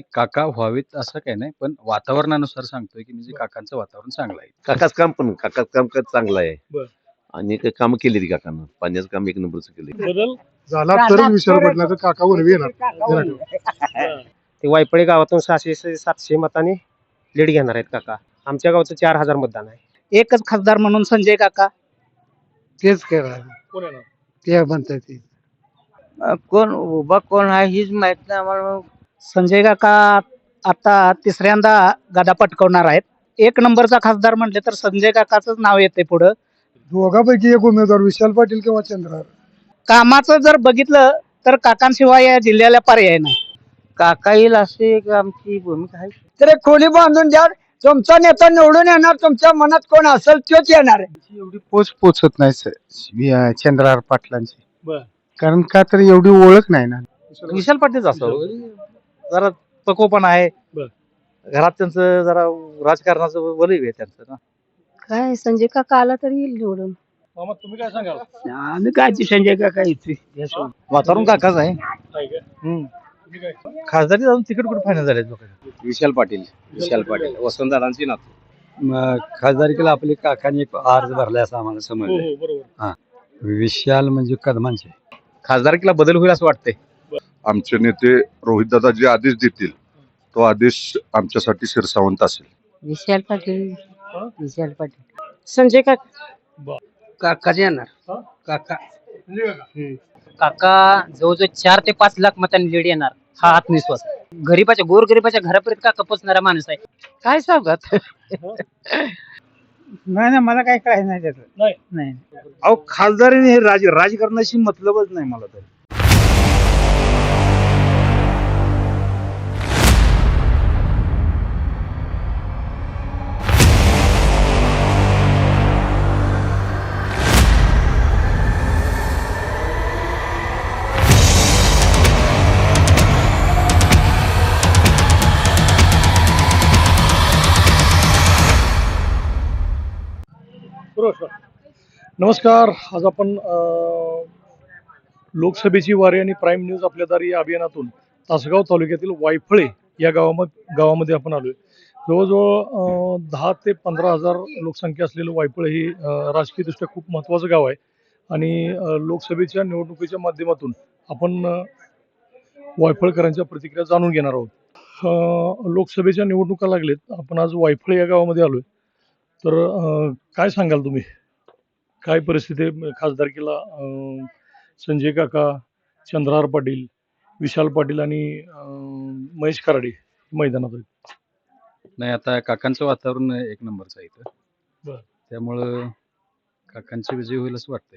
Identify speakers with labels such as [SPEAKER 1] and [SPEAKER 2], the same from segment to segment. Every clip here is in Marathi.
[SPEAKER 1] काका व्हावेत असं काही नाही, पण वातावरणानुसार सांगतोय, की म्हणजे काकांचं वातावरण चांगलं आहे.
[SPEAKER 2] काकाच काम चांगलं आहे.
[SPEAKER 3] बर.
[SPEAKER 2] आणि काही काम केली ती काकानं. पाण्याचं काम एक नंबरचं केलं.
[SPEAKER 3] बदल
[SPEAKER 4] झाला तर विशाल पाटला तर काका उर्वी येणार.
[SPEAKER 5] ते वायपळे गावातून 600-700 मतांनी लीड घेणार आहेत काका. आमच्या गावचं 4000 मतदान आहे.
[SPEAKER 6] एकच खासदार म्हणून संजय काका.
[SPEAKER 4] तेच करा
[SPEAKER 3] कोण येणार?
[SPEAKER 4] ते म्हणतात ते.
[SPEAKER 6] कोण उभा कोण आहे हीच माहित नाही आम्हाला. संजय काका आता तिसऱ्यांदा गदा पटकवणार आहेत. एक नंबरचा खासदार म्हटले तर संजय काकाच नाव येते पुढं.
[SPEAKER 4] दोघांपैकी एक उमेदवार विशाल पाटील किंवा चंद्रहार.
[SPEAKER 6] कामाचं जर बघितलं तर काकांशिवाय या जिल्ह्याला पर्याय नाही. काका येईल अशी एक आमची भूमिका आहे. तर खोली बांधून द्या. तुमचा नेता निवडून येणार. तुमच्या मनात कोण असेल तोच येणार आहे.
[SPEAKER 4] एवढी पोचत नाही चंद्रहार पाटलांची.
[SPEAKER 3] बर.
[SPEAKER 4] कारण का तर एवढी ओळख नाही ना.
[SPEAKER 5] विशाल पाटील असावं. जरा पक्वपण आहे.
[SPEAKER 3] बर.
[SPEAKER 5] घरात त्यांचं जरा राजकारणाचं वलय आहे त्यांचं ना.
[SPEAKER 7] काय संजय काका आला तरी येईल निवडून.
[SPEAKER 3] मामा तुम्ही काय सांगाल?
[SPEAKER 6] आम्ही काय संजय काका येते.
[SPEAKER 5] वातावरण काकाच आहे.
[SPEAKER 3] काय काय? तुम्ही काय?
[SPEAKER 5] खासदारी जाऊन तिकीट कुठे फायनल झाले लोकांचे.
[SPEAKER 1] विशाल पाटील वसंतदादांची नातू. खासदारकीला आपले काकांनी एक अर्ज भरलाय असं आम्हाला
[SPEAKER 3] हो
[SPEAKER 1] समजलं.
[SPEAKER 3] हो बरोबर.
[SPEAKER 1] विशाल म्हणजे कदमांचे.
[SPEAKER 5] खासदारकीला बदल होईल असं वाटतंय.
[SPEAKER 8] आमचे नेते रोहितदादा जे आदेश देतील तो आदेश आमच्यासाठी शिरसावंत असेल.
[SPEAKER 7] विशाल पाटील.
[SPEAKER 3] हा?
[SPEAKER 7] विशाल पाटील. संजय काका.
[SPEAKER 6] काकाच येणार.
[SPEAKER 3] हा?
[SPEAKER 6] काका.
[SPEAKER 3] संजय काका.
[SPEAKER 6] काका जवळजवळ 4 ते 5 लाख मतांनी लीड येणार हा आत्मविश्वास आहे. गरीबाच्या गोरगरीबाच्या घरापर्यंत काका पोचणारा माणूस आहे. काय सांगत नाही मला काय कळायचं नाही त्याचं.
[SPEAKER 3] नाही.
[SPEAKER 5] अहो खासदारीने हे राजकारणाशी मतलबच नाही मला तर.
[SPEAKER 3] बरोबर. नमस्कार. आज आपण लोकसभेची वारी आणि प्राईम न्यूज आपल्या दारी या अभियानातून तासगाव तालुक्यातील वायफळे या गावामध्ये आपण आलोय. जवळजवळ 10 ते 15,000 लोकसंख्या असलेलं वायफळे ही राजकीयदृष्ट्या खूप महत्त्वाचं गाव आहे. आणि लोकसभेच्या निवडणुकीच्या माध्यमातून आपण वायफळकरांच्या प्रतिक्रिया जाणून घेणार आहोत. लोकसभेच्या निवडणुका लागलेत. आपण आज वायफळे या गावामध्ये आलोय. तर काय सांगाल तुम्ही? काय परिस्थिती आहे खासदारकीला? संजय काका, चंद्रहार पाटील, विशाल पाटील आणि महेश कराडे मैदानात आहेत.
[SPEAKER 1] नाही, आता काकांचं वातावरण एक नंबरचं आहे इथं.
[SPEAKER 3] बर.
[SPEAKER 1] त्यामुळं काकांची विजय होईल असं वाटतंय.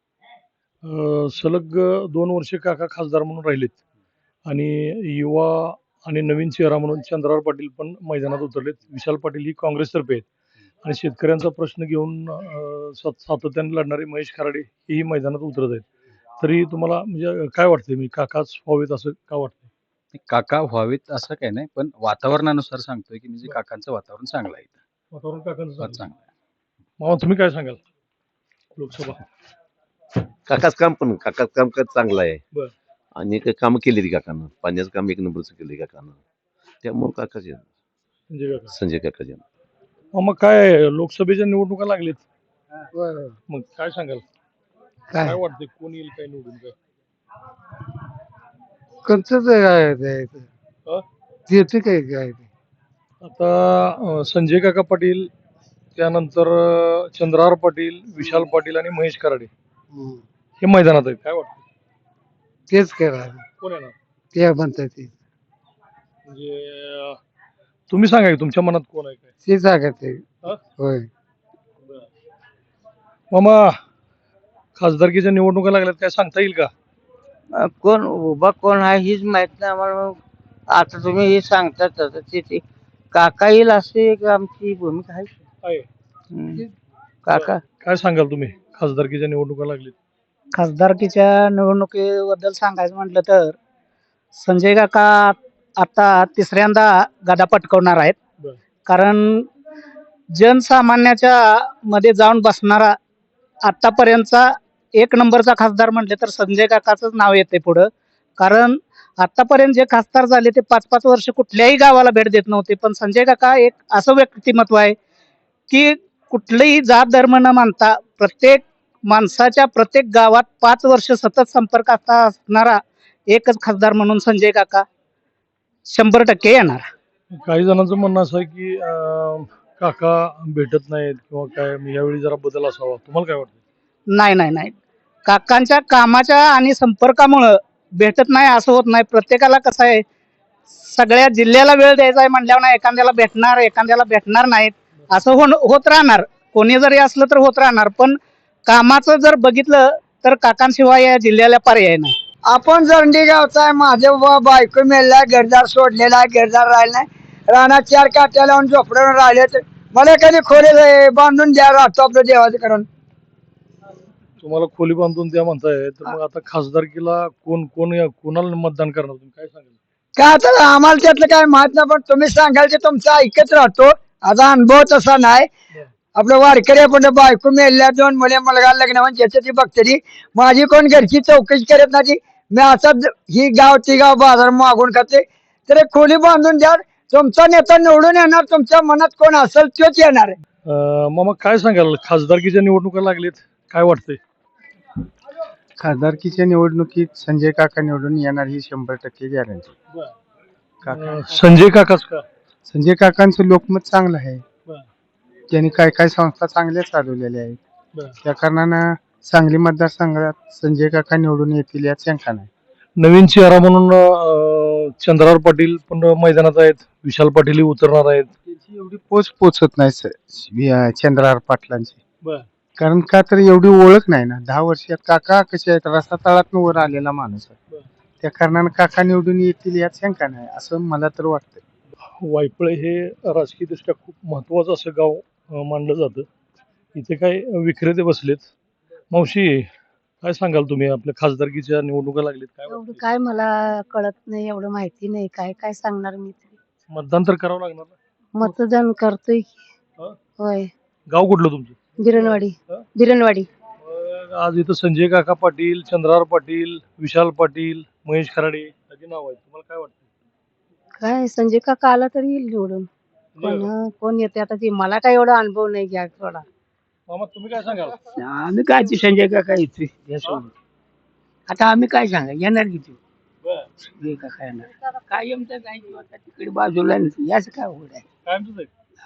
[SPEAKER 3] सलग 2 वर्षे काका खासदार म्हणून राहिलेत आणि युवा आणि नवीन चेहरा म्हणून चंद्रहार पाटील पण मैदानात उतरलेत. विशाल पाटील ही काँग्रेसतर्फे आहेत आणि शेतकऱ्यांचा प्रश्न घेऊन सातत्याने लढणारे महेश खराडे हेही मैदानात उतरत आहेत. तरी तुम्हाला म्हणजे काय वाटतंय, मी काकाच व्हावेत असं का वाटतंय?
[SPEAKER 1] काका व्हावेत असं काही नाही, पण वातावरणानुसार सांगतोय, की म्हणजे काकांचं वातावरण चांगलं आहे इथं.
[SPEAKER 3] वातावरण काकांचं चांगलं.
[SPEAKER 1] चांगलं आहे.
[SPEAKER 3] मामा तुम्ही काय सांगाल? लोकसभा.
[SPEAKER 2] काकाच काम चांगलं आहे.
[SPEAKER 3] बर.
[SPEAKER 2] आणि काही काम केली ती काकानं. पाण्याचं काम एक नंबरचं केलं काकानं. त्यामुळे काकाच येणार.
[SPEAKER 3] संजय काका.
[SPEAKER 2] संजय काकाच येणार.
[SPEAKER 3] मग काय लोकसभेच्या निवडणुका लागलेत, मग काय सांगाल? काय वाटतंय कोण येईल, काय निवडून? काय
[SPEAKER 4] कोणतंच आहे
[SPEAKER 3] हा?
[SPEAKER 4] ते काय
[SPEAKER 3] आता संजय काका पाटील, त्यानंतर चंद्रहार पाटील, विशाल पाटील आणि महेश कराडे हे मैदानात आहेत. काय वाटतं?
[SPEAKER 4] तेच करा
[SPEAKER 3] कोण येणार?
[SPEAKER 4] ते म्हणतात ते.
[SPEAKER 3] म्हणजे तुम्ही सांगा की तुमच्या मनात कोण आहे काय?
[SPEAKER 4] ते सांगत ते.
[SPEAKER 3] हा?
[SPEAKER 4] होय.
[SPEAKER 3] मामा, खासदारकीच्या निवडणुका लागल्यात, काय सांगता येईल का?
[SPEAKER 6] कोण उभा कोण आहे हीच माहित नाही आम्हाला. आता तुम्ही हे सांगता तसं ते काका येईल अशी एक आमची भूमिका आहे.
[SPEAKER 3] आहे.
[SPEAKER 6] काका.
[SPEAKER 3] काय सांगाल तुम्ही? खासदारकीच्या निवडणुका लागलीत.
[SPEAKER 6] खासदारकीच्या निवडणुकीबद्दल सांगायचं म्हटलं तर संजय काका आता तिसऱ्यांदा गदा पटकवणार आहेत.
[SPEAKER 3] बर.
[SPEAKER 6] कारण जनसामान्याच्या मध्ये जाऊन बसणारा आतापर्यंतचा एक नंबरचा खासदार म्हटले तर संजय काकाच नाव येते पुढं. कारण आतापर्यंत जे खासदार झाले ते 5-5 वर्ष कुठल्याही गावाला भेट देत नव्हते, पण संजय काका एक असं व्यक्तिमत्व आहे की कुठलंही जात धर्म न मानता प्रत्येक माणसाच्या प्रत्येक गावात 5 वर्ष सतत संपर्कात असणारा एकच खासदार म्हणून संजय काका 100% येणार.
[SPEAKER 3] काही जणांचं म्हणणं असं आहे की काका भेटत नाहीत किंवा काय, मग यावेळी जरा बदल असावा, तुम्हाला काय वाटतं?
[SPEAKER 6] नाही. काकांच्या कामाच्या आणि संपर्कामुळं भेटत नाही असं होत नाही. प्रत्येकाला कसं आहे, सगळ्या जिल्ह्याला वेळ द्यायचा आहे म्हटल्यावर ना एखाद्याला भेटणार नाहीत असं होत राहणार. कोणी जरी असलं तर होत राहणार, पण कामाचं जर बघितलं तर काकांशिवाय या जिल्ह्याला पर्याय नाही. आपण जरंडी गावचा आहे, माझे बायको मेला, घरदार सोडलेला आहे, घरदार राहिला नाही, रानात 4 काट्या लावून झोपडून राहिले, तर मला कधी खोले बांधून द्या, राहतो आपलं देवाचं करून.
[SPEAKER 3] तुम्हाला खोली बांधून द्या म्हणताय, तर मग आता खासदारकीला कोणाला मतदान करणार तुम्ही, काय सांगाल?
[SPEAKER 6] काय आता आम्हाला त्यातलं काय माहित नाही, पण तुम्ही सांगाल ते तुमचं ऐकत राहतो. आता अनुभव तसा नाही. आपलं वारकरी आपण बायको मेल्या, 2 मुलगा लग्न म्हणजे ज्याचं ती बघतली, माझी कोण घरची चौकशी करत नाही. मी असं ही गाव ती गाव बाजार मागून खाते, तर एक खोली बांधून द्या. तुमचा नेता निवडून येणार, तुमच्या मनात कोण असेल तोच येणार आहे.
[SPEAKER 3] मग काय सांगाल, खासदारकीच्या निवडणुका लागलीत, काय वाटतंय?
[SPEAKER 4] खासदारकीच्या निवडणुकीत संजय काका निवडून येणार ही 100% गॅरंटी.
[SPEAKER 3] संजय काकाच का?
[SPEAKER 4] संजय काकांचं लोकमत चांगलं आहे.
[SPEAKER 3] बरं.
[SPEAKER 4] त्यांनी काय संस्था चांगल्या चालवलेल्या आहेत.
[SPEAKER 3] बरं.
[SPEAKER 4] त्या कारणानं सांगली मतदारसंघात संजय काका निवडून येतील यात शंका नाही.
[SPEAKER 3] नवीन चेहरा म्हणून चंद्रराव पाटील पण मैदानात आहेत, विशाल पाटील उतरणार आहेत.
[SPEAKER 4] त्याची एवढी पोचत नाही चंद्रहार पाटलांची.
[SPEAKER 3] बरं.
[SPEAKER 4] कारण का तर एवढी ओळख नाही ना. 10 वर्षात काका कसे आहेत, रस्ता तळातून वर आलेला माणूस आहे.
[SPEAKER 3] बरं.
[SPEAKER 4] त्या कारणानं काका निवडून येतील यात शंका नाही असं मला तर वाटतं.
[SPEAKER 3] वायफळे हे राजकीयदृष्ट्या खूप महत्वाचं असं गाव मानलं जातं. इथे काय विक्रेते बसलेत. मावशी, काय सांगाल तुम्ही, आपल्या खासदारकीच्या निवडणुका लागलीत, काय
[SPEAKER 7] एवढं
[SPEAKER 3] वाटतंय?
[SPEAKER 7] काय मला कळत नाही, एवढं माहिती नाही, काय सांगणार मी तरी.
[SPEAKER 3] मतदान तर करावं लागणार ना.
[SPEAKER 7] मतदान करतोय की.
[SPEAKER 3] हं?
[SPEAKER 7] होय.
[SPEAKER 3] गाव कुठलं तुमचं?
[SPEAKER 7] बिरणवाडी.
[SPEAKER 3] हं?
[SPEAKER 7] बिरणवाडी.
[SPEAKER 3] मग आज इथं संजय काका पाटील, चंद्रहार पाटील, विशाल पाटील, महेश खराडे याची नाव आहेत, तुम्हाला काय वाटतं?
[SPEAKER 7] काय संजय काका आला तरी येईल निवडून. कोण येते आता ती, मला काय एवढा अनुभव नाही घ्या थोडा.
[SPEAKER 3] मामा, तुम्ही काय सांगाल?
[SPEAKER 6] आम्ही काय ते संजय काका येतोय यासोबत. आता आम्ही काय सांगा, येणार किती
[SPEAKER 3] बरं.
[SPEAKER 6] संजय काका येणार. काय आमचं काय किंवा तिकडे बाजूला नाही, याच काय होत आहे.
[SPEAKER 3] काय म्हणतो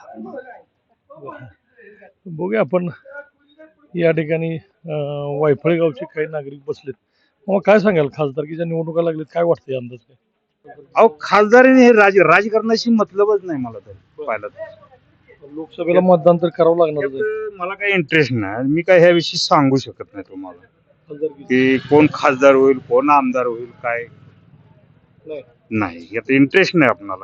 [SPEAKER 3] साहेब? बघूया आपण या ठिकाणी वायफळे गावचे काही नागरिक बसलेत. मग काय सांगाल, खासदारकीच्या निवडणुका लागलेत, काय वाटतंय अंदाज काय?
[SPEAKER 1] अहो खासदारीने हे राजकारणाशी मतलबच नाही मला तर पाहिलं तर.
[SPEAKER 3] लोकसभेला मतदान तर करावं लागणार आहे.
[SPEAKER 1] त्यात मला काही इंटरेस्ट नाही. मी काय ह्याविषयी सांगू शकत नाही तुम्हाला
[SPEAKER 3] खासदारकी
[SPEAKER 1] की कोण खासदार होईल, कोण आमदार होईल, काय नाही. यात इंटरेस्ट नाही आपणाला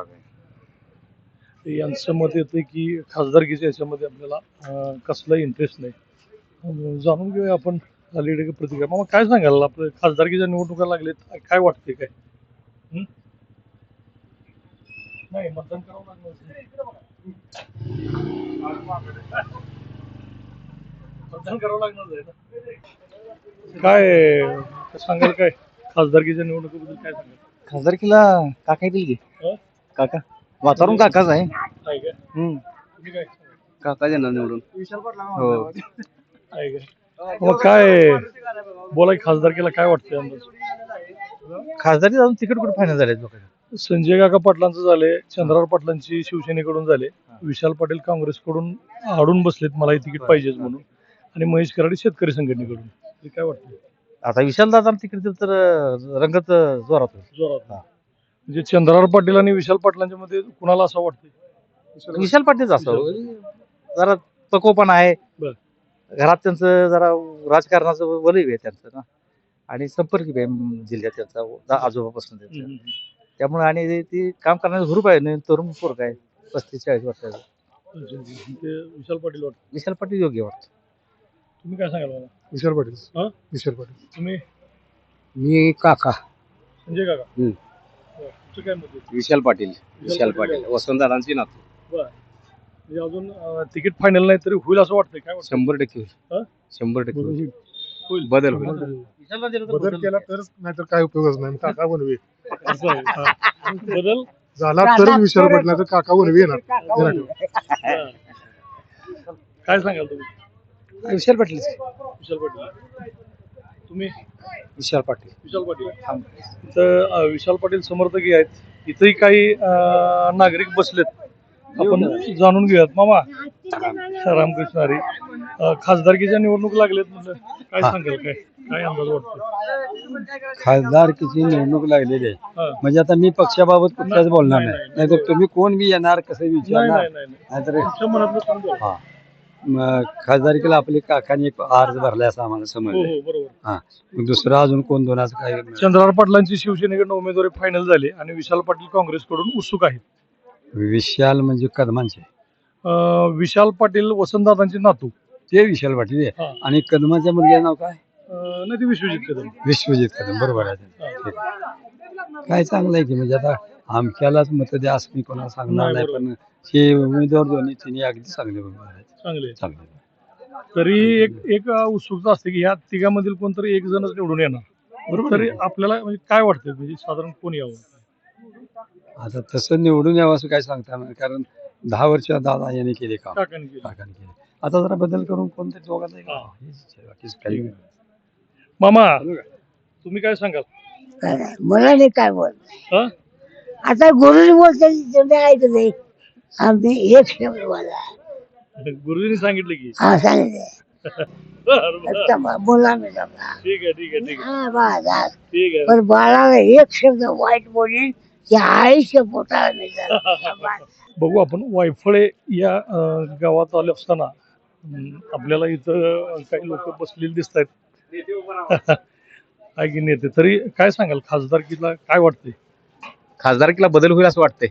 [SPEAKER 1] काही.
[SPEAKER 3] यांचं मत येतं की खासदारकीच्या याच्यामध्ये आपल्याला कसलाही इंटरेस्ट नाही. जाणून घेऊया आपण अलीकडे प्रतिक्रिया. मग काय सांगाल, आपलं खासदारकीच्या निवडणुका लागलेत, काय वाटतंय काय? नाही, मतदान करावं लागणार. मतदान करावं लागणार आहे ना. काय सांगाल, काय खासदारकीच्या निवडणुकीबद्दल काय सांगाल?
[SPEAKER 1] खासदारकीला काका येतील की?
[SPEAKER 3] हं?
[SPEAKER 1] काका वातावरण काकाच आहे.
[SPEAKER 3] आहे काय? तुम्ही काय सांगाल?
[SPEAKER 1] काका येणार निवडून. हो.
[SPEAKER 3] आहे काय? मग काय बोला, खासदारकीला काय वाटतंय अंदाज?
[SPEAKER 1] खासदारी अजून तिकीट कुठे फायनल झाले लोक?
[SPEAKER 3] संजय काका पाटलांचं झाले, चंद्रहार पाटलांची शिवसेनेकडून झाले, विशाल पाटील काँग्रेसकडून आडून बसलेत, मलाही तिकीट पाहिजेच म्हणून, आणि महेश कराडे शेतकरी संघटनेकडून. हे काय वाटतं?
[SPEAKER 1] आता विशाल दादा तिकीट दिलं तर रंगत जोरात होईल.
[SPEAKER 3] जोरात. म्हणजे चंद्रहार पाटील आणि विशाल पाटलांच्या मध्ये कुणाला असं वाटतंय?
[SPEAKER 1] विशाल पाटीलच असं जरा पकोपण आहे.
[SPEAKER 3] बरं.
[SPEAKER 1] घरात त्यांचं जरा राजकारणाचं वलय आहे त्यांचं ना, आणि संपर्क आहे जिल्ह्यात त्यांचा आजोबापासून त्यांचं. त्यामुळे आणि ती काम करण्याचं ग्रुप आहे, तरुण पोरग आहे 35-40 वर्षाचा.
[SPEAKER 3] ते विशाल पाटील वाटतं.
[SPEAKER 1] विशाल पाटील योग्य वाटतं.
[SPEAKER 3] तुम्ही काय सांगाल मला?
[SPEAKER 4] विशाल पाटील.
[SPEAKER 3] हं?
[SPEAKER 4] विशाल पाटील.
[SPEAKER 3] तुम्ही?
[SPEAKER 6] मी काका
[SPEAKER 3] संजय काका. तुमचं काय मत आहे?
[SPEAKER 1] विशाल पाटील.
[SPEAKER 3] विशाल पाटील.
[SPEAKER 1] वसंतदादांची नातू.
[SPEAKER 3] म्हणजे अजून तिकीट फायनल नाही तरी होईल असं वाटतंय, काय वाटतं?
[SPEAKER 1] 100%
[SPEAKER 3] हं?
[SPEAKER 1] होईल. 100% होईल.
[SPEAKER 3] होईल
[SPEAKER 1] बदल होईल.
[SPEAKER 4] बदल केला तरच नाहीतर काय उपयोगच नाही काका बनवे
[SPEAKER 3] असं आहे. हा. बदल
[SPEAKER 4] झाला तरच विशाल पडला तर काका बनवे येणार
[SPEAKER 3] हा. काय सांगाल तुम्ही?
[SPEAKER 6] विशाल पाटील
[SPEAKER 3] विशाल पाटील. तुम्ही
[SPEAKER 6] विशाल पाटील
[SPEAKER 3] विशाल पाटील. तर विशाल पाटील समर्थकही आहेत. इथेही काही नागरिक बसलेत. आपण जाणून घेऊयात. मामा रामकृष्ण हरी. खासदारकीच्या निवडणूक लागलेत म्हटलं काय सांगाल? काय अंदाज वाटतो?
[SPEAKER 6] खासदारकीची निवडणूक लागलेली आहे
[SPEAKER 3] हा.
[SPEAKER 6] म्हणजे आता मी पक्षाबाबत कुठल्याच बोलणार
[SPEAKER 3] नाही,
[SPEAKER 6] नाही
[SPEAKER 3] नाही.
[SPEAKER 6] नाहीतर तुम्ही कोण बी येणार कसं
[SPEAKER 3] नाही
[SPEAKER 6] विचारणार
[SPEAKER 3] नाही नाही नाही.
[SPEAKER 6] नाहीतर
[SPEAKER 3] तुमच्या मनातलं समजा.
[SPEAKER 6] हा खासदारकीला आपले काकांनी एक अर्ज भरलाय असं आम्हाला
[SPEAKER 3] हो
[SPEAKER 6] समजलं
[SPEAKER 3] हो बरोबर.
[SPEAKER 6] मग दुसरा अजून कोण दोनाचं काय
[SPEAKER 3] चंद्रहार पाटलांची शिवसेनेकडून उमेदवारी फायनल झाली आणि विशाल पाटील काँग्रेसकडून उत्सुक आहेत.
[SPEAKER 6] विशाल म्हणजे कदमांचे
[SPEAKER 3] विशाल पाटील वसंतदादांचे नातू.
[SPEAKER 6] ते विशाल पाटील आहे.
[SPEAKER 3] हा.
[SPEAKER 6] आणि कदमाच्या मुलग्याचं नाव काय
[SPEAKER 3] नाही ते विश्वजित कदम.
[SPEAKER 6] विश्वजित कदम बरोबर आहे ठीक आहे. काय चांगलं आहे की म्हणजे आता आमच्यालाच मत द्या असं मी कोणाला सांगणार
[SPEAKER 3] नाही,
[SPEAKER 6] नाही
[SPEAKER 3] बरोबर.
[SPEAKER 6] पण हे उमेदवार दोन्ही तिन्ही अगदी चांगले उमेदवार आहेत
[SPEAKER 3] चांगले.
[SPEAKER 6] चांगले
[SPEAKER 3] तरी एक उत्सुकता असते की ह्या तिघांमधील कोणतरी एक जणच निवडून येणार.
[SPEAKER 6] बरोबर
[SPEAKER 3] तरी
[SPEAKER 6] आहे.
[SPEAKER 3] आपल्याला म्हणजे काय वाटतं म्हणजे साधारण कोण यावं?
[SPEAKER 6] आता तसं निवडून यावं असं काय सांगता येणार नाही. कारण 10 वर्ष दादा यांनी केले काम
[SPEAKER 3] काकांनी केलं.
[SPEAKER 6] काकांनी केले आता जरा बदल करून कोणतरी दोघांना
[SPEAKER 3] हा.
[SPEAKER 6] बाकीच काही नाही.
[SPEAKER 3] मामा तुम्ही काय सांगाल?
[SPEAKER 9] मला नाही काय बोल
[SPEAKER 3] हा?
[SPEAKER 9] आता गुरुजी बोलतात ऐकत नाही आम्ही एक शब्द बोला
[SPEAKER 3] गुरुजींनी सांगितलं की
[SPEAKER 9] हा सांगितलं
[SPEAKER 3] बरं, बरं.
[SPEAKER 9] बोला मी समजा
[SPEAKER 3] ठीक आहे ठीक आहे ठीक आहे
[SPEAKER 9] हा बाळा
[SPEAKER 3] ठीक आहे.
[SPEAKER 9] पण बाळाला एक शब्द वाईट बोलेल की आईच्या पोटाला मी जाणार.
[SPEAKER 3] बघू आपण वायफळे या गावात आले असताना आपल्याला इथं काही लोक बसलेले दिसत आहेत. आहे की नेते. तरी काय सांगाल खासदारकीला काय वाटतंय?
[SPEAKER 5] खासदारकीला बदल होईल असं वाटतंय.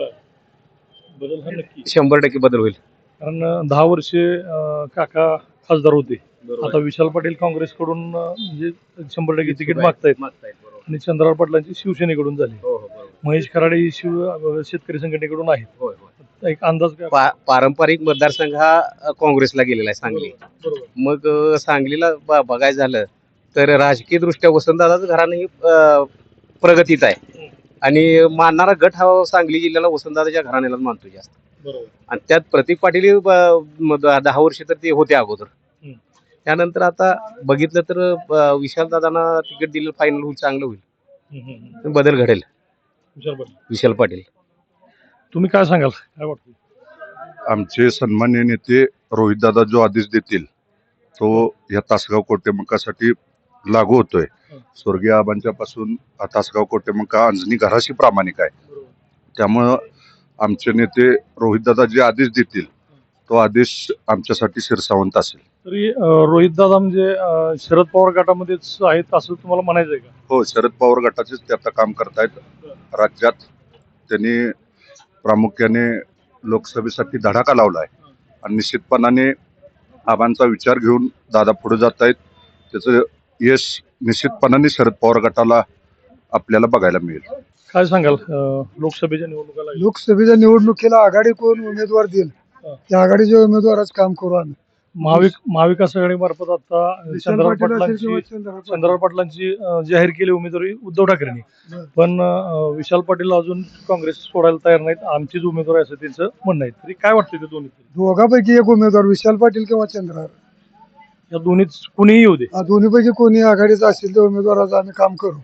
[SPEAKER 3] बदल हा नक्की.
[SPEAKER 5] 100% बदल होईल.
[SPEAKER 3] कारण 10 वर्षे काका खासदार होते. आता विशाल पाटील काँग्रेसकडून म्हणजे 100% तिकीट मागतायत आणि चंद्रहार पाटलांची शिवसेनेकडून झाली. महेश खराडे ही शेतकरी संघटनेकडून आहेत. एक अंदाज काय?
[SPEAKER 5] पारंपरिक मतदारसंघ हा काँग्रेसला गेलेला आहे सांगली.
[SPEAKER 3] बरोबर.
[SPEAKER 5] मग सांगलीला बघायचं झालं तर राजकीय दृष्ट्या वसंतदादाचं घराणं ही प्रगतीत आहे आणि मानणारा गट हा सांगली जिल्ह्याला वसंतदादाच्या घराण्यालाच मानतो जास्त.
[SPEAKER 3] बरोबर.
[SPEAKER 5] आणि त्यात प्रतीक पाटील 10 वर्ष तर ते होते अगोदर. त्यानंतर आता बघितलं तर विशाल दादांना तिकीट दिलं फायनल होईल चांगलं होईल बदल घडेल. विशाल पाटील.
[SPEAKER 3] तुम्ही काय सांगाल? काय वाटतं?
[SPEAKER 8] आमचे सन्माननीय नेते रोहितदादा जो आदेश देतील तो या तासगाव कोटेमंकासाठी लागू होतोय. स्वर्गीय आबांच्या पासून तासगाव कोटेमंका अंजनी घराशी प्रामाणिक आहे. त्यामुळं आमचे नेते रोहितदादा जे आदेश देतील तो आदेश आमच्यासाठी शिरसावंत असेल.
[SPEAKER 3] तरी रोहित दादा म्हणजे शरद पवार गटामध्येच आहेत असं तुम्हाला म्हणायचं आहे का?
[SPEAKER 8] हो, शरद पवार गटाचेच ते आता काम करतायत राज्यात. त्यांनी प्रामुख्याने लोकसभेसाठी धडाका लावलाय आणि निश्चितपणाने आबांचा विचार घेऊन दादा पुढे जात आहेत. त्याचं यश निश्चितपणाने शरद पवार गटाला आपल्याला बघायला मिळेल.
[SPEAKER 3] काय सांगाल लोकसभेच्या निवडणुकाला?
[SPEAKER 4] लोकसभेच्या निवडणुकीला आघाडी कोण उमेदवार देईल त्या आघाडीच्या उमेदवारच काम करू आम्ही.
[SPEAKER 3] महाविकास आघाडी मार्फत आता चंद्रहार पाटलांची जाहीर केली उमेदवारी उद्धव ठाकरेंनी. पण विशाल पाटील अजून काँग्रेस सोडायला तयार नाहीत. आमचीच उमेदवार असं त्यांचं म्हणणं आहे. तरी काय वाटतं ते दोन्ही?
[SPEAKER 4] दोघांपैकी एक उमेदवार विशाल पाटील किंवा चंद्रहार
[SPEAKER 3] या दोन्हीच कुणीही येऊ दे.
[SPEAKER 4] दोन्हीपैकी कोणी आघाडीचा असेल त्या उमेदवाराचं आम्ही काम करू.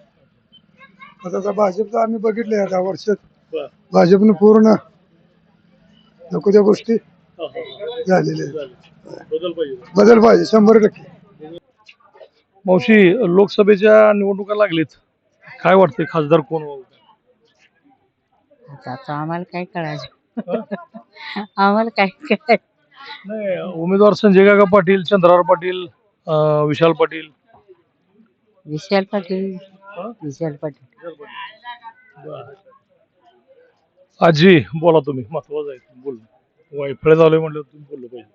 [SPEAKER 4] आता भाजपचं आम्ही बघितलं या 10 वर्षात भाजपने पूर्ण नको त्या गोष्टी झालेल्या आहेत. बदल पाहिजे 100%.
[SPEAKER 3] मावशी लोकसभेच्या निवडणुका लागलीत. काय वाटतंय खासदार कोण व्हावं?
[SPEAKER 7] आता आम्हाला काय कळायचं आम्हाला काय कळायचं
[SPEAKER 3] नाही उमेदवार संजय काका पाटील, चंद्रहार पाटील, विशाल पाटील.
[SPEAKER 7] विशाल पाटील विशाल पाटील.
[SPEAKER 3] आजी बोला तुम्ही. महत्वाचं आहे बोल. वायफळे झालोय म्हटलं तुम्ही बोललं पाहिजे.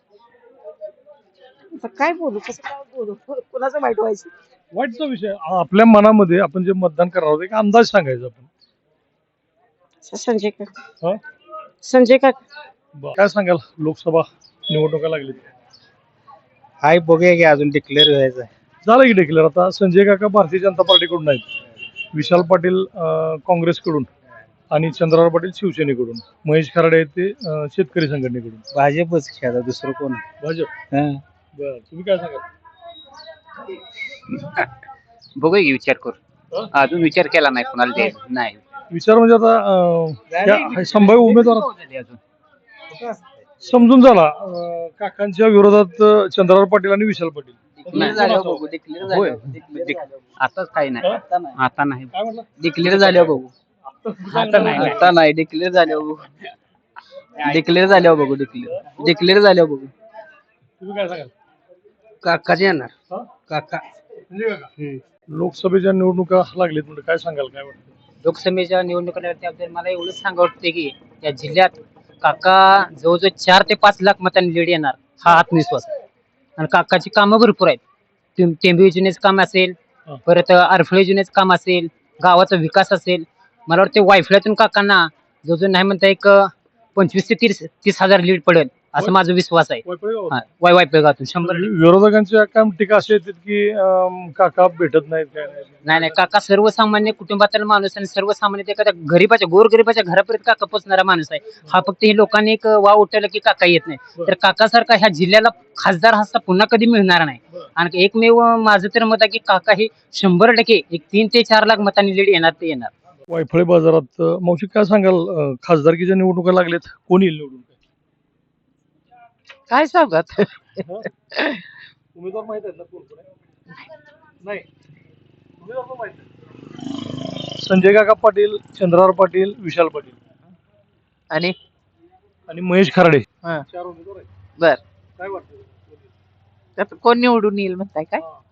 [SPEAKER 9] काय बोलू कसं काय बोलू कुणाचं वाईट व्हायचं?
[SPEAKER 3] वाईटचा विषय आपल्या मनामध्ये आपण जे मतदान करणार आहोत एक अंदाज सांगायचा आपण.
[SPEAKER 9] संजय काका.
[SPEAKER 3] हा?
[SPEAKER 9] संजय काका.
[SPEAKER 3] काय सांगाल लोकसभा निवडणुका लागली?
[SPEAKER 1] हाय बघूया की अजून डिक्लेअर व्हायचं.
[SPEAKER 3] झालं की डिक्लेअर. आता संजय काका भारतीय जनता पार्टीकडून आहेत, विशाल पाटील काँग्रेसकडून आणि चंद्रराव पाटील शिवसेनेकडून, महेश खराडे आहेत ते शेतकरी संघटनेकडून.
[SPEAKER 1] भाजपच खेळा दुसरं कोण.
[SPEAKER 3] भाजप.
[SPEAKER 1] हं.
[SPEAKER 3] बरं, तुम्ही काय सांगाल?
[SPEAKER 6] बघूया की विचार
[SPEAKER 3] हं?
[SPEAKER 6] करू. अजून विचार केला नाही कोणाला ते नाही.
[SPEAKER 3] विचार म्हणजे आता संभाव्य उमेदवार समजून झाला. काकांच्या विरोधात चंद्रराव पाटील आणि विशाल पाटील.
[SPEAKER 6] होय. आता काही नाही. आता नाही.
[SPEAKER 3] काय म्हटलं?
[SPEAKER 6] डिक्लेअर झाल्यावर बघू. आता नाही डिक्लेअर झाल्यावर बघू. डिक्लेअर झाल्यावर बघू. डिक्लेअर झाल्यावर बघू.
[SPEAKER 3] तुम्ही काय सांगाल?
[SPEAKER 6] काकाचे येणार.
[SPEAKER 3] हं?
[SPEAKER 6] काका.
[SPEAKER 3] संजय काका. लोकसभेच्या निवडणुका लागलीत म्हणजे काय सांगाल, काय वाटतं?
[SPEAKER 6] लोकसभेच्या निवडणुकीबद्दल मला एवढंच सांगा वाटते की या जिल्ह्यात काका जवळजवळ 4 ते 5 लाख मतांनी लीड येणार हा आत्मविश्वास आहे. आणि काकाची कामं भरपूर आहेत. टेंबू योजनेचं काम असेल,
[SPEAKER 3] हं.
[SPEAKER 6] परत अडफळे योजनेचं काम असेल, गावाचा विकास असेल. मला वाटतं वायफळ्यातून काकांना जवळजवळ नाही म्हणता एक 25 ते 30 हजार लीड पडेल असं माझा विश्वास आहे.
[SPEAKER 3] वायफळे गावात?
[SPEAKER 6] हा, वायफळगावातून 100.
[SPEAKER 3] विरोधकांच्या काय टीका अशी येतात की काका भेटत नाहीत, काय नाही.
[SPEAKER 6] नाही काका सर्वसामान्य कुटुंबातील माणूस आणि सर्वसामान्य एखाद्या गरीबाच्या गोरगरिबाच्या घरापर्यंत काका पोचणारा माणूस आहे. हा फक्त हे लोकांनी एक वाव उठवला की काका येत नाही, तर काकासारखा ह्या जिल्ह्याला खासदार हा पुन्हा कधी मिळणार नाही. आणि एकमेव माझं तर मत आहे की काका हे 100% एक 3 ते 4 लाख मतांनी लीड येणार ते येणार.
[SPEAKER 3] वायफळे बाजारात मावशी काय सांगाल, खासदारकीच्या निवडणुका लागल्यात, कोण येईल निवडून?
[SPEAKER 6] काय सांगत
[SPEAKER 3] उमेदवार माहित आहेत ना कोण कोण आहे? नाही. उमेदवार पण माहित आहे. संजय काका पाटील, चंद्रराव पाटील, विशाल पाटील
[SPEAKER 6] आणि
[SPEAKER 3] आणि महेश खराडे.
[SPEAKER 6] हा.
[SPEAKER 3] 4 उमेदवार आहेत.
[SPEAKER 6] बर.
[SPEAKER 3] काय वाटतं?
[SPEAKER 6] त्यात कोण निवडून येईल म्हणताय काय?
[SPEAKER 3] हा.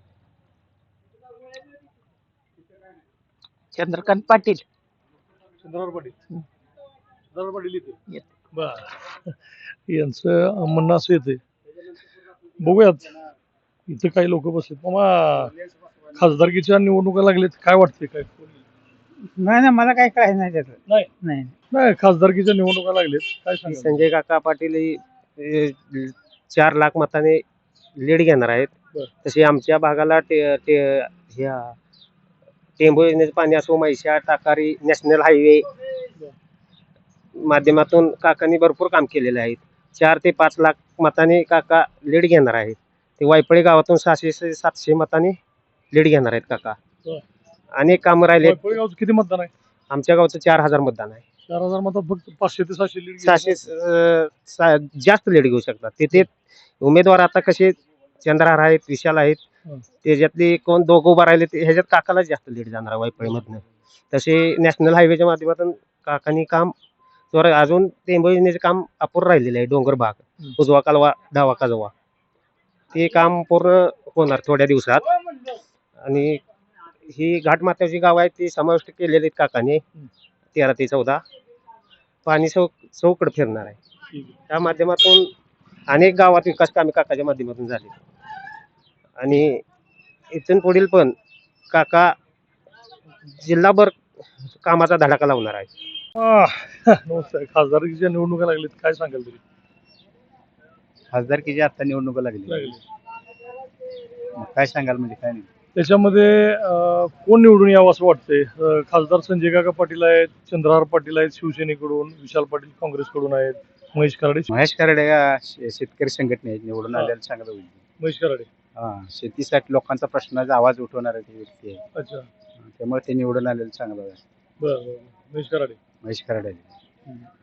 [SPEAKER 6] चंद्रकांत पाटील.
[SPEAKER 3] चंद्रराव पाटील. चंद्रराव पाटील येते.
[SPEAKER 6] येते.
[SPEAKER 3] बर. यांचं म्हणणं असं येते. बघूयात, इथं काही लोक बसलेत. मामा, खासदारकीच्या निवडणुका लागलेत, काय वाटते, काय
[SPEAKER 1] नाही मला काय कळायचं नाही त्याचं.
[SPEAKER 3] नाही
[SPEAKER 1] नाही.
[SPEAKER 3] नाही खासदारकीच्या निवडणुका लागलेत, काय सांगा?
[SPEAKER 5] संजय काका पाटील 4 लाख मताने लीड घेणार आहेत.
[SPEAKER 3] बरं.
[SPEAKER 5] तसे आमच्या भागाला टेंबू योजनेचं पाणी असो, म्हैसाळ टाकारी नॅशनल हायवे माध्यमातून काकांनी भरपूर काम केलेले आहेत. 4 ते 5 लाख मताने काका लीड घेणार आहेत. ते वायपळे गावातून 600-700 मताने लीड घेणार आहेत काका.
[SPEAKER 3] बरं.
[SPEAKER 5] अनेक कामं राहिले.
[SPEAKER 3] वायफळे गावचं किती मतदान आहे?
[SPEAKER 5] आमच्या गावचं 4000 मतदान आहे.
[SPEAKER 3] 4000 मतात फक्त 500 ते 700 लीड.
[SPEAKER 5] 600 जास्त लीड घेऊ शकतात. तिथे उमेदवार आता कसे चंद्रहार आहेत, विशाल आहेत,
[SPEAKER 3] हं.
[SPEAKER 5] त्याच्यातले कोण दोघं उभा राहिले ह्याच्यात काकाला जास्त लीड जाणार आहे वायफळीमधनं. तसे नॅशनल हायवेच्या माध्यमातून काकांनी काम अजून टेंबू योजनेचे काम अपूर्ण राहिलेले आहे. डोंगर भाग, उजवा कालवा, डावा काजवा, ते काम पूर्ण होणार थोड्या दिवसात. आणि ही घाटमाथ्याची गाव आहेत ती समाविष्ट केलेली आहेत काकाने. 13 ते 14 पाणी चौकड फिरणार आहे. त्या माध्यमातून अनेक गावात विकास कामे काकाच्या माध्यमातून झाली. आणि इथून पुढील पण काका जिल्हाभर कामाचा धडाका लावणार आहे.
[SPEAKER 3] नमस्कार. खासदारकीच्या निवडणुका लागलेत, काय सांगाल तरी?
[SPEAKER 1] खासदारकीची आता निवडणुका लागली. काय सांगाल म्हणजे काय नाही.
[SPEAKER 3] त्याच्यामध्ये कोण निवडून यावं असं वाटतंय? खासदार संजय काका पाटील आहेत, चंद्रहार पाटील आहेत शिवसेनेकडून, विशाल पाटील काँग्रेसकडून आहेत, महेश खराडे.
[SPEAKER 1] महेश कराडे या शेतकरी संघटने निवडून आलेला चांगलं होईल.
[SPEAKER 3] महेश खराडे.
[SPEAKER 1] हा, शेतीसाठी लोकांचा प्रश्नाचा आवाज उठवणारा ते व्यक्ती आहे.
[SPEAKER 3] अच्छा.
[SPEAKER 1] त्यामुळे ते निवडून आलेलं चांगलं आहे.
[SPEAKER 3] बरं. महेश खराडे.
[SPEAKER 1] महेश कराडे.